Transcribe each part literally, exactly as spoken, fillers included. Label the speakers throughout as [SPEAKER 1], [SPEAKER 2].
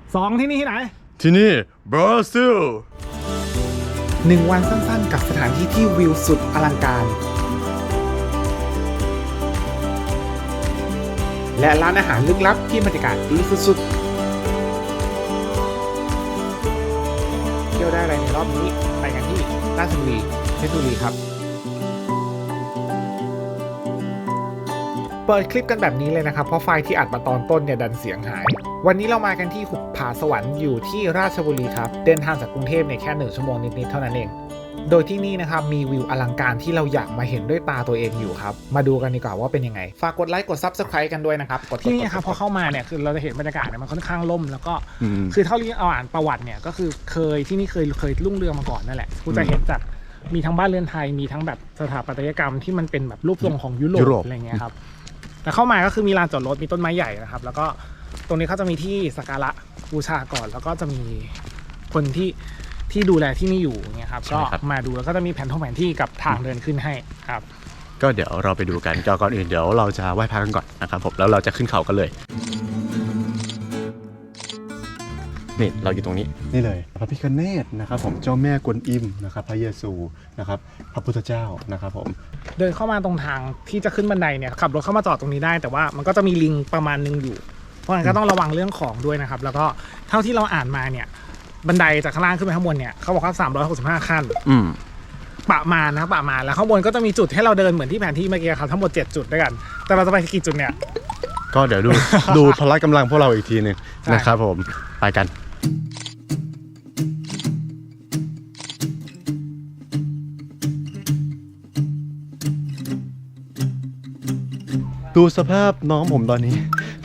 [SPEAKER 1] สองที่นี่ที่ไหน
[SPEAKER 2] ที่นี่บราซิล
[SPEAKER 1] หนึ่งวันสั้นๆกับสถานที่ที่วิวสุดอลังการและร้านอาหารลึกลับที่บรรยากาศดีสุดๆเที่ยวได้อะไรในรอบนี้ไปกันที่ราชบุรีเพชรบุรีครับเปิดคลิปกันแบบนี้เลยนะครับเพราะไฟล์ที่อัดมาตอนต้นเนี่ยดันเสียงหายวันนี้เรามากันที่หุบผาสวรรค์อยู่ที่ราชบุรีครับเดินทางจากกรุงเทพเนี่ยแค่หนึ่งชั่วโมงนิดๆเท่านั้นเองโดยที่นี่นะครับมีวิวอลังการที่เราอยากมาเห็นด้วยตาตัวเองอยู่ครับมาดูกันดีกว่าว่าเป็นยังไงฝากกดไลค์กด ซับสไครบ์ กันด้วยนะครับกดที่นี่ครับพอเข้ามาเนี่ยคือเราจะเห็นบรรยากาศเนี่ยมันค่อนข้างล่มแล้วก็คือเท่าที่เอาอ่านประวัติเนี่ยก็คือเคยที่นี่เคยเคยรุ่งเรืองมาก่อนนั่นแหละคุณจะเห็นจากมีทั้งบ้านเรือนไทยมีทั้งแบบสถาปัตยกรรมที่มันเป็นแบบรูปทรงของยุโรปอะไรเงี้ยครับแต่เข้ามาก็คือมีลานจอดรถมีต้นไม้ใหญ่นะครับแล้วก็ตรงนี้เขาจะมีที่สักการะบูชาก่อนแล้วก็จะมีคนที่ที่ดูแลที่นี่อยู่เนี่ยครับก็มาดูแล้วก็จะมีแผนท่องแผนที่กับทางเดินขึ้นให้ครับ
[SPEAKER 2] ก็เดี๋ยวเราไปดูกันก่อนอื่นเดี๋ยวเราจะไหว้พระกันก่อนนะครับผมแล้วเราจะขึ้นเขากันเลยนี่เราอยู่ตรงนี้นี่เลยพระพิฆเนศนะครับผมเจ้าแม่กวนอิมนะครับพระเยซูนะครับพระพุทธเจ้านะครับผม
[SPEAKER 1] เดินเข้ามาตรงทางที่จะขึ้นบันไดเนี่ยขับรถเข้ามาจอดตรงนี้ได้แต่ว่ามันก็จะมีลิงประมาณนึงอยู่เพราะฉะนั้นก็ต้องระวังเรื่องของด้วยนะครับแล้วก็เท่าที่เราอ่านมาเนี่ยบันไดจากข้างล่างขึ้นไปข้างบนเนี่ยเขาบอกว่าสามร้อยหกสิบห้าขั้นประมาณนะประมาณแล้วข้างบนก็จะมีจุดให้เราเดินเหมือนที่แผนที่เมื่อกี้ครับทั้งหมดเจ็ดจุดด้วยกันแต่เราจะไปกี่จุดเนี่ย
[SPEAKER 2] ก็เดี๋ยวดูดูพละกำลังพวกเราอีกทีนึงนะครับผมไปกันดูสภาพน้องผมตอนนี้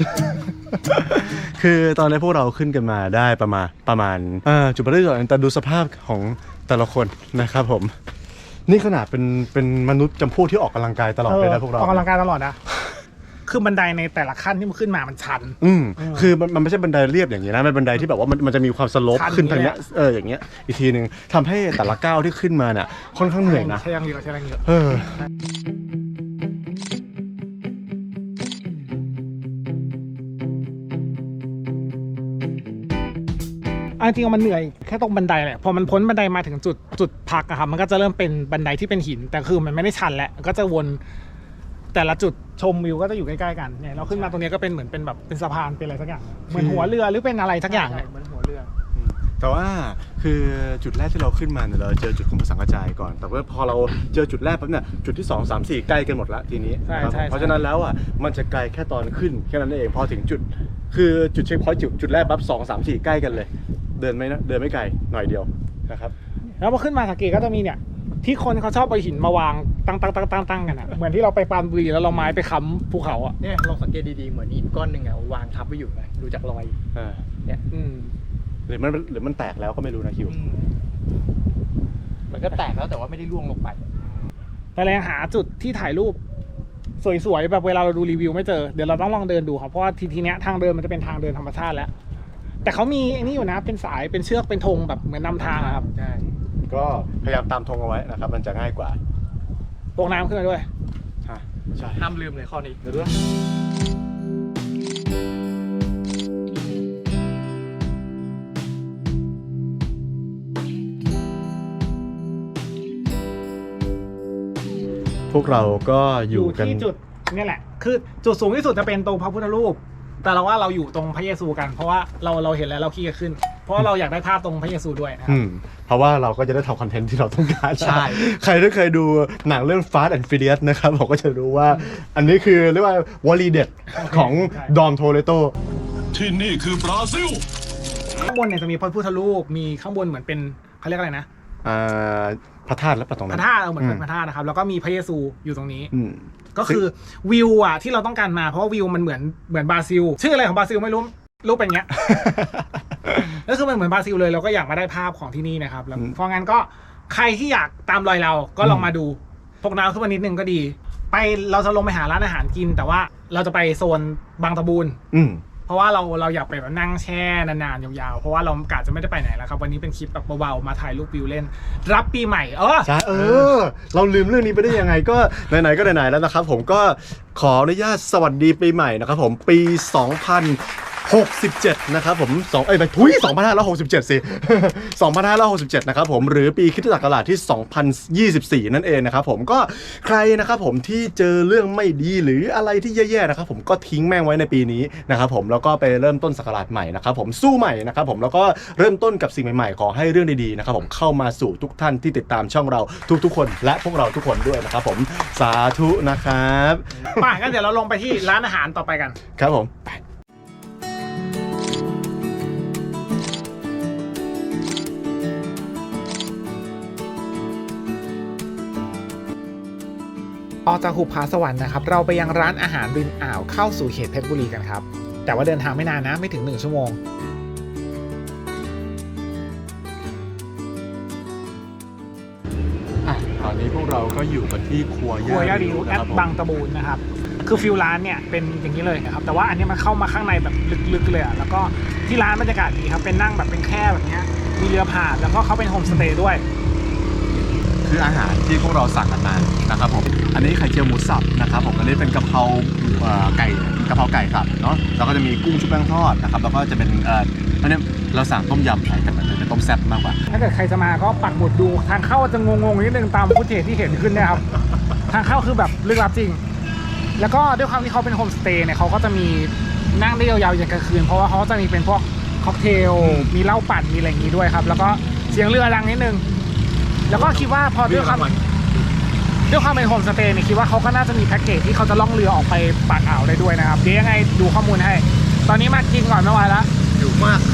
[SPEAKER 2] คือตอนนี้พวกเราขึ้นกันมาได้ประมาณประมาณจุดประเริ่มแต่ดูสภาพของแต่ละคนนะครับผมนี่ขนาดเป็นเป็นมนุษย์จำพวกที่ออกกำลังกายตลอดเลยนะพวกเรา
[SPEAKER 1] ออกกำลังกายตลอดนะคือบันไดในแต่ละขั้นที่มันขึ้นมามันชัน
[SPEAKER 2] อืมคือมันมันไม่ใช่บันไดเรียบอย่างนี้นะมันบันไดที่แบบว่ามันมันจะมีความสโลปขึ้นทางเนี้ยเอออย่างเงี้ยอีกทีนึงทำให้แต่ละก้าวที่ขึ้นมาเนี่ยค่อนข้างเหนื่อยนะ
[SPEAKER 1] ใช่ยังเยอะใช่ยังเยอะ
[SPEAKER 2] เออ
[SPEAKER 1] จริงๆมันเหนื่อยแค่ตรงบันไดแหละพอมันพ้นบันไดมาถึงจุดจุดพักอะครับมันก็จะเริ่มเป็นบันไดที่เป็นหินแต่คือมันไม่ได้ชันแล้วก็จะวนแต่ละจุดชมวิวก็จะอยู่ใกล้ๆกันเนี่ยเราขึ้นมาตรงนี้ก็เป็นเหมือนเป็นแบบเป็นสะพานเป็นอะไรสักอย่างเหมือนหัวเรือหรือเป็นอะไรสักอย่างเหมือนหัวเรือ
[SPEAKER 2] แต่ว่าคือจุดแรกที่เราขึ้นมาเนี่ยเราเจอจุดของสังกระจายก่อนแต่ว่าพอเราเจอจุดแรกปั๊บเนี่ยจุดที่สอง สาม สี่ใกล้กันหมดละทีนี้เพราะฉะนั้นแล้วอ่ะมันจะไกลแค่ตอนขึ้นแค่นั้นเองพอถึงจุดคือจุดเช็คพอยต์จุดจุดแรกปั๊บสอง สาม สี่ใกล้กันเลยเดินไม่เดินไม่ไกลหน่อยเดียวนะครับ
[SPEAKER 1] แล้วพอขึ้นมาสังเกตก็จะมีเนี่ยที่คนเขาชอบไปหินมาวางตั้งตั้งตั้งตั้งตั้งกันอ่ะเหมือนที่เราไปปรานบุรีแล้วเราไม้ไปค้ำภูเขาอ่ะ
[SPEAKER 3] เนี่ยเราสังเกตดีๆเหมือนหินก้อนหนึ่งอ่ะวางทับไว้อยู่ไงดูจากรอยเนี่ย
[SPEAKER 2] หรือมันหรือมันแตกแล้วก็ไม่รู้นะคิว
[SPEAKER 3] มันก็แตกแล้วแต่ว่าไม่ได้ร่วงลงไป
[SPEAKER 1] แต่เราหาจุดที่ถ่ายรูปสวยๆแบบเวลาเราดูรีวิวไม่เจอเดี๋ยวเราต้องลองเดินดูครับเพราะว่าทีทีเนี้ยทางเดินมันจะเป็นทางเดินธรรมชาติแล้วแต่เขามีไอ้นี่อยู่นะเป็นสายเป็นเชือกเป็นธงแบบเหมือนนำทางครับ
[SPEAKER 2] ใช่ก็พยายามตามธงเอาไว้นะครับมันจะง่ายกว่า
[SPEAKER 1] ตกน้ำขึ้นมาด้วย
[SPEAKER 3] ใช่ห้ามลืมเลยข้อนี้เดี๋ยวด้วย
[SPEAKER 2] พวกเราก็อยู่กัน
[SPEAKER 1] ที่จุดนี่แหละคือจุดสูงที่สุดจะเป็นตรงพระพุทธรูปแต่เราว่าเราอยู่ตรงพระเยซูกันเพราะว่าเราเราเห็นแล้วเราขี้จะขึ้นเพราะเราอยากได้ภาพตรงพระเยซูด้วยนะครับ
[SPEAKER 2] เพราะว่าเราก็จะได้ทำคอนเทนต์ที่เราต้องการใช่ใครที่เคยดูหนังเรื่อง Fast and Furious นะครับผมก็จะรู้ว่าอันนี้คือเรียกว่าวลีเด็ดของดอมโทเรโต
[SPEAKER 4] ที่นี่คือบราซิล
[SPEAKER 1] ข้างบนเนี่ยจะมีพระพุทธรูปมีข้างบนเหมือนเป็นเขาเรียกอะไรนะ
[SPEAKER 2] พระธาตุแล้วปะตรงนั้น
[SPEAKER 1] พระธาตุเหมือนเป็นพระธาตุนะครับแล้วก็มีพระเยซูอยู่ตรงนี้ก็คือวิวอ่ะที่เราต้องการมาเพราะว่าวิวมันเหมือนเหมือนบราซิลชื่ออะไรของบราซิลไม่รู้รูปเป็นอย่างเงี้ยแล้วคือมันเหมือนบราซิลเลยเราก็อยากมาได้ภาพของที่นี่นะครับแล้วเพราะงั้นก็ใครที่อยากตามรอยเราก็ลองมาดูพกน้ำขึ้นมานิดนึงก็ดีไปเราจะลงไปหาร้านอาหารกินแต่ว่าเราจะไปโซนบางตะบูนเพราะว่าเราเราอยากไปแบบนั่งแช่นานๆยาวๆเพราะว่าเรากะจะไม่ได้ไปไหนแล้วครับวันนี้เป็นคลิปแบบเบาๆมาถ่ายรูปวิวเล่นรับปีใหม่เออ
[SPEAKER 2] ใช่เออเราลืมเรื่องนี้ไปได้ยังไงก็ไหนๆก็ไหนๆแล้วนะครับผมก็ขออนุญาตสวัสดีปีใหม่นะครับผมปีสองพันหกสิบเจ็ดนะครับผมสองเอ้ยไปทุยสองพันห้าร้อยหกสิบเจ็ดสิ สองพันห้าร้อยหกสิบเจ็ดนะครับผมหรือปีคริสตศักราชที่สองพันยี่สิบสี่นั่นเองนะครับผมก็ใครนะครับผมที่เจอเรื่องไม่ดีหรืออะไรที่แย่ๆนะครับผมก็ทิ้งแม่งไว้ในปีนี้นะครับผมแล้วก็ไปเริ่มต้นศักราชใหม่นะครับผมสู้ใหม่นะครับผมแล้วก็เริ่มต้นกับสิ่งใหม่ๆขอให้เรื่องดีๆนะครับผมเข้ามาสู่ทุกท่านที่ติดตามช่องเราทุกๆคนและพวกเราทุกคนด้วยนะครับผมสาธุนะครับ
[SPEAKER 1] ป่ะงั้นเดี๋ยวเราลงไปที่ร้านอาหารต่อไปกัน
[SPEAKER 2] ครับผม
[SPEAKER 1] ออกจากหุบผาสวรรค์นะครับเราไปยังร้านอาหารริมอ่าวเข้าสู่เขตเพชรบุรีกันครับแต่ว่าเดินทางไม่นานนะไม่ถึงหนึ่งชั่วโมง
[SPEAKER 2] อ่ะตอนนี้พวกเราก็อยู่กันที่ครัว
[SPEAKER 1] ครัว
[SPEAKER 2] ย่า
[SPEAKER 1] ย่า
[SPEAKER 2] ริ
[SPEAKER 1] ริ
[SPEAKER 2] ว
[SPEAKER 1] วแอ
[SPEAKER 2] นะค
[SPEAKER 1] ด
[SPEAKER 2] รับผม
[SPEAKER 1] บางตะบูนนะครับคือฟิลร้านเนี่ยเป็นอย่างนี้เลยนะครับแต่ว่าอันนี้มันเข้ามาข้างในแบบลึกๆเลยอ่ะแล้วก็ที่ร้านบรรยากาศดีครับเป็นนั่งแบบเป็นแค่แบบเนี้ยมีเรือผ่านแล้วก็เขาเป็นโฮมสเตย์ด้วย
[SPEAKER 2] คืออาหารที่พวกเราสั่งกันมานะครับผมอันนี้ไข่เจียวหมูสับนะครับผมอันนี้เป็นกะเพราเอ่อไก่กะเพราไก่ครับเนาะแล้วก็จะมีกุ้งชุบแป้งทอดนะครับแล้วก็จะเป็นเอ่ออันนี้เราสั่งต้มยำไข่แต่มันเป็นต้มแซ่บมากกว่า
[SPEAKER 1] ถ้าเกิดใครจะมาก็ปักหมุดดูทางเข้าจะงงๆนิดนึงตามฟุตเทจที่เห็นขึ้นเนี่ยครับ ทางเข้าคือแบบลึกลับจริง แล้วก็ด้วยความที่เขาเป็นโฮมสเตย์เนี่ยเขาก็จะมีนั่งได้ยาวๆอย่างกลางคืนเพราะว่าเขาจะมีเป็นพวกค็อกเทลมีเหล้าปั่นมีอะไรอย่างนี้ด้วยครับแล้วก็เสียงเรือดังนิดนึงแล้วก็คิดว่าพอด้วยความด้วยความเป็นโฮมสเตย์เนี่ยคิดว่าเขาก็น่าจะมีแพ็กเกจที่เขาจะล่องเรือออกไปปากอ่าวได้ด้วยนะครับเดี๋ยวยังไงดูข้อมูลให้ ตอนนี้มากินก่อนไม่ไหวแล้ว
[SPEAKER 2] อยู่มาก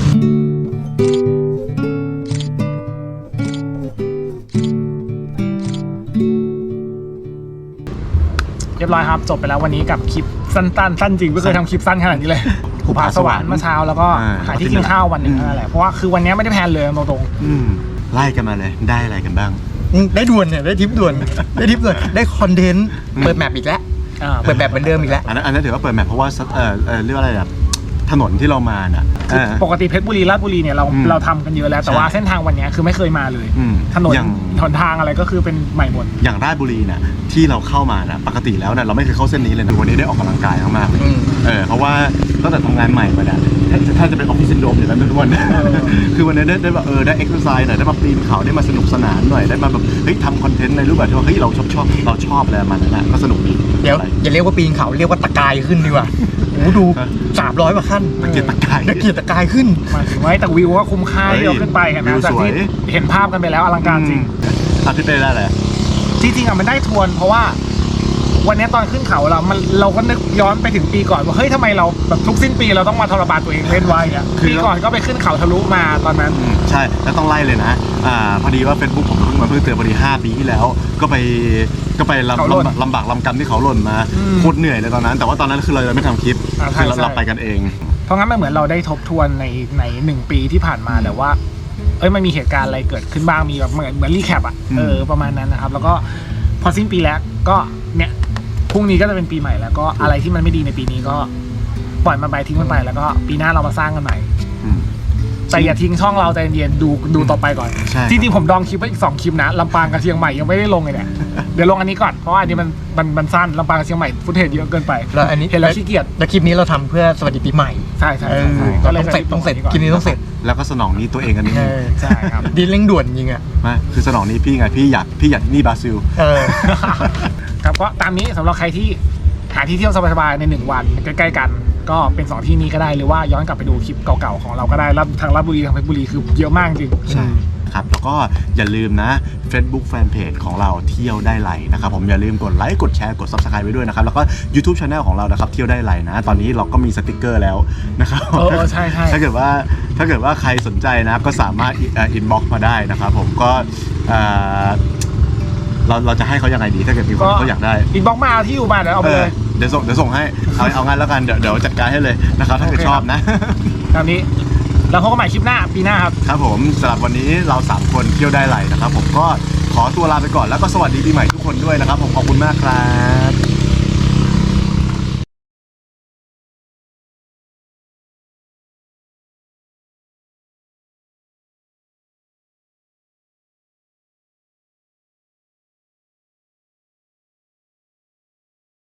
[SPEAKER 1] เรียบร้อยครับจบไปแล้ววันนี้กับคลิปสั้นๆสั้นจริงไม่เคยทำคลิปสั้นขนาดนี้เลยหุบผาสวรรค์เมื่อเช้าแล้วก็หาที่กินข้าววันหนึ่งนั่นแหละเพราะว่าคือวันนี้ไม่ได้แพลนเลยตรง
[SPEAKER 2] อืมไล่กันมาเลยได้อะไรกันบ้าง
[SPEAKER 3] ได้ด่วนเนี่ยได้ทิปด่วนได้ทิปด่วนได้คอนเทนต์เปิดแมปอีกแล้ว
[SPEAKER 1] ๆอ่า
[SPEAKER 3] เปิดแบบเหมือนเดิมอีกแล้ว
[SPEAKER 2] อันนั้นอันนั้นถือว่าเปิดแมพเพราะว่าเออเออเรียกว่าอะไรแบบถนนที่เรามาน่ะเออ
[SPEAKER 1] ปกติเพชรบุรีราชบุรีเนี่ยเรา
[SPEAKER 2] อืม
[SPEAKER 1] เราทำกันเยอะแล้วแต่ว่า
[SPEAKER 2] ใช่
[SPEAKER 1] เส้นทางวันนี้คือไม่เคยมาเลย
[SPEAKER 2] อืม
[SPEAKER 1] ถนน
[SPEAKER 2] อย่าง
[SPEAKER 1] หนทางอะไรก็คือเป็นใหม่หมด
[SPEAKER 2] อย่างราชบุรีน่ะที่เราเข้ามาน่ะปกติแล้วน่ะเราไม่เคยเข้าเส้นนี้เลยนะวันนี้ได้ออกกำลังกายมากๆเลย
[SPEAKER 3] อืม
[SPEAKER 2] เออเพราะว่าตั้งแต่ทำงานใหม่มาเนี่ยถ้าถ้าจะเป็นออฟฟิศซินโดรมอยู่แล้วทุกวัน คือวันนี้ได้ได้แบบเออได้เอ็กซ์ไซส์หน่อยได้มาปีนเขาได้มาสนุกสนานหน่อยได้มาแบบเฮ้ยทำคอนเทนต์ในรูปแบบที่ว่าเฮ้ยเราชอบชอบเราชอบอะไรมันนั่นแหละก็สนุกดี
[SPEAKER 3] เดี๋ยวอย่าเรียกว่าปีนเขาเรียกว่าตะกายขึ้นดีกว่าโอ้โหดูสามร้อยกว่าขั้น
[SPEAKER 2] ตะเกียกตะกาย
[SPEAKER 3] ตะเกียกตะกายขึ้น
[SPEAKER 1] มาถึงไว้แต่วิวก็คุ้มค่าที่เราขึ้นไปเห็นไหม
[SPEAKER 2] วิว
[SPEAKER 1] จาก
[SPEAKER 2] สวย
[SPEAKER 1] ที่เห็นภาพกันไปแล้วอลังการจริง
[SPEAKER 2] อาทิตย์ไปได้เลย
[SPEAKER 1] จริงๆอ่ะมันได้ทวนเพราะว่าวันนี้ตอนขึ้นเขาเรามันเราก็นึกย้อนไปถึงปีก่อนว่าเฮ้ยทำไมเราแบบทุกสิ้นปีเราต้องมาทรมานตัวเองเล่นไว้อ่ะปีก่อนก็ไปขึ้นเขาทะลุมาตอนนั้น
[SPEAKER 2] อืมใช่แล้วต้องไล่เลยนะอ่าพอดีว่า Facebook ผมเพิ่งมาเพิ่งเตือนพอดีห้าปีที่แล้ว ก็ไปก็ไปลำ
[SPEAKER 1] เขาหล่น
[SPEAKER 2] ลำบากลำบากลำกำที่เขาหล่นมา
[SPEAKER 1] อืม
[SPEAKER 2] โคตรเหนื่อยเลยตอนนั้น แต่ว่าตอนนั้นคือเรายังไม่ทำคลิป
[SPEAKER 1] อ่าใช่
[SPEAKER 2] คือเรา
[SPEAKER 1] ใช่
[SPEAKER 2] เราไปกันเอง
[SPEAKER 1] เพราะงั้นมันเหมือนเราได้ทบทวนในในหนึ่งปีที่ผ่านมาแต่ว่า เอ้ยมันมีเหตุการณ์อะไรเกิดขึ้นบ้างมีแบบเหมือนเหมือนรีแคปอ่ะ
[SPEAKER 2] อืม
[SPEAKER 1] เออประมาณนั้นนะครับแล้วก็พอสิ้นปีแล้วก็เนี่ยพรุ่งนี้ก็จะเป็นปีใหม่แล้วก็อะไรที่มันไม่ดีในปีนี้ก็ปล่อยมันไปทิ้งมันไปแล้วก็ปีหน้าเรามาสร้างกันใหม่
[SPEAKER 2] อืม
[SPEAKER 1] แต่อย่าทิ้งช่องเราใจเย็นๆดูดูต่อไปก่อน
[SPEAKER 2] ใช่
[SPEAKER 1] จริงๆผมดองคลิปไว้อีกสองคลิปนะลำปางกับเชียงใหม่ยังไม่ได้ลงเลยเนี่ยเดี๋ยวลงอันนี้ก่อนเพราะว่าอันนี้มันมันมันสั้นลำปางกับเชียงใหม่ฟุตเทจเยอะเกินไป
[SPEAKER 3] แล้วอันนี้
[SPEAKER 1] เห็นแล้วขี้เกียจ
[SPEAKER 3] แล้วคลิปนี้เราทำเพื่อสวัสดีปีใหม่
[SPEAKER 1] ใช่ใช่
[SPEAKER 3] เอ
[SPEAKER 1] ใช่
[SPEAKER 3] อ
[SPEAKER 1] ใช่ก็เลย
[SPEAKER 3] ต้องเสร็จต้องเสร็จคลิปนี้ต้องเสร็จ
[SPEAKER 2] แล้วก็สนองนี้ตัวเองกันนิดนึง
[SPEAKER 1] ใช่ครับ
[SPEAKER 3] ดีเร่งด่วนจริงอ่ะ
[SPEAKER 2] มาคือสนองนี้พี่ไงพี่อยากพี่อยากที่นี่บราซิล
[SPEAKER 3] เออ
[SPEAKER 1] ครับก็ตามนี้สำหรับใครที่หาที่เที่ยวสบายๆในหนึ่งวันใกล้ๆกัน ก็เป็นสองที่นี้ก็ได้หรือว่าย้อนกลับไปดูคลิปเก่าๆของเราก็ได้รับทางราชบุรีทางเพชรบุรีคือเยอะมากจริง
[SPEAKER 2] ใช่ครับแล้วก็อย่าลืมนะ Facebook Fanpage ของเราเที่ยวได้ไหลนะครับผมอย่าลืมกดไลค์กดแชร์กด Subscribe ไว้ด้วยนะครับแล้วก็ YouTube Channel ของเรานะครับเที่ยวได้ไหลนะตอนนี้เราก็มีสติกเกอร์แล้วนะครับ
[SPEAKER 1] เออใช่ใช่
[SPEAKER 2] ถ้าเกิดว่าถ้าเกิดว่าใครสนใจนะก็สามารถอินบ็อกซ์มาได้นะครับผมก็เอ่อเราเราจะให้เขายังไงดีถ้าเกิดมีคนเขาอยากได้
[SPEAKER 1] อินบ็อกซ์มาเอาที่อยู่มาเดี๋ยวเอาไป
[SPEAKER 2] เอ
[SPEAKER 1] เล
[SPEAKER 2] อย เดี๋ยวส่งเดี๋ยวส่งให้เอาเอางั้นแล้วกันเดี๋ยวเดี๋ยวจัดการให้เลยนะครับถ้าเกิด
[SPEAKER 1] โอเค
[SPEAKER 2] ชอบนะ
[SPEAKER 1] ตามนี้แล้วพบกันใหม่คลิปหน้าปีหน้าครับ
[SPEAKER 2] ครับผมสำหรับวันนี้เราสามคนเที่ยวได้ไหลนะครับผมก็ขอตัวลาไปก่อนแล้วก็สวัสดีปีใหม่ทุกคนด้วยนะครับผมขอบคุณมากครับ